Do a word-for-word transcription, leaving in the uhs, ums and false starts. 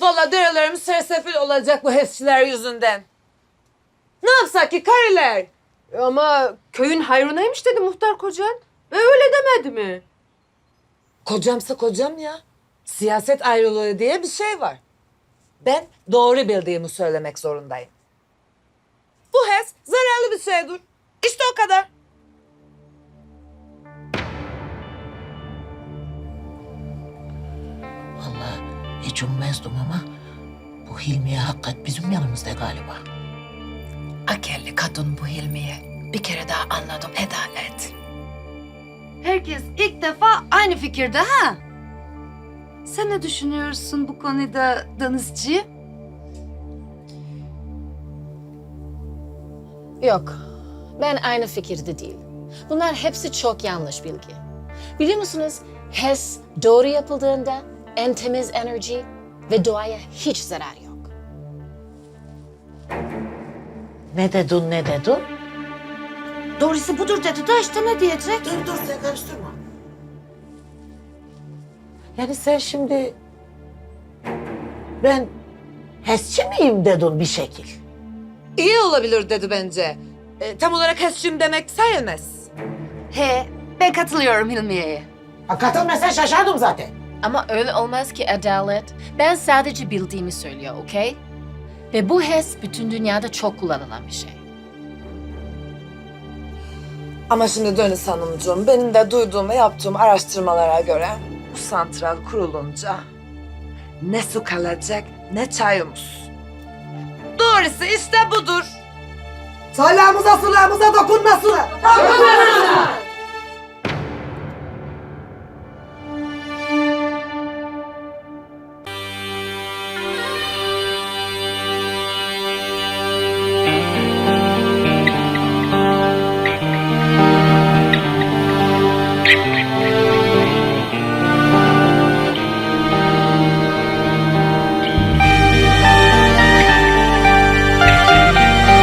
Vallahi derelerimiz sersefil olacak bu HES'çiler yüzünden. Ne yapsak ki kariler? Ama köyün hayrınaymış dedi muhtar kocan. E öyle demedi mi? Kocamsa kocam ya. Siyaset ayrılığı diye bir şey var. Ben doğru bildiğimi söylemek zorundayım. Bu HES zararlı bir şeydir. İşte o kadar. Vallahi hiç ummazdım ama bu Hilmiye hakikat bizim yanımızda galiba. Akıllı kadın bu Hilmiye. Bir kere daha anladım Adalet. Herkes ilk defa aynı fikirde ha? Sen ne düşünüyorsun bu konuda Danızcı? Yok, ben aynı fikirde değil. Bunlar hepsi çok yanlış bilgi. Biliyor musunuz, HES doğru yapıldığında en temiz enerji ve doğaya hiç zarar yok. Ne dedin ne dedin? Doğrusu budur dedi de işte ne diyecek? Dur dur sen karıştırma. Yani sen şimdi ben HES'çi miyim dedin bir şekil. İyi olabilir dedi bence. E, tam olarak HES'çiyim demek sayılmaz. He, ben katılıyorum Hilmiye'ye. Ha, katılmasan şaşardım zaten. Ama öyle olmaz ki Adalet. Ben sadece bildiğimi söylüyor, okey? Ve bu HES bütün dünyada çok kullanılan bir şey. Ama şimdi Dönüs Hanımcığım, benim de duyduğum ve yaptığım araştırmalara göre bu santral kurulunca ne su kalacak ne çayımız. Doğrusu işte budur. Salağımıza sulağımıza dokunmasın. Dokunmasın.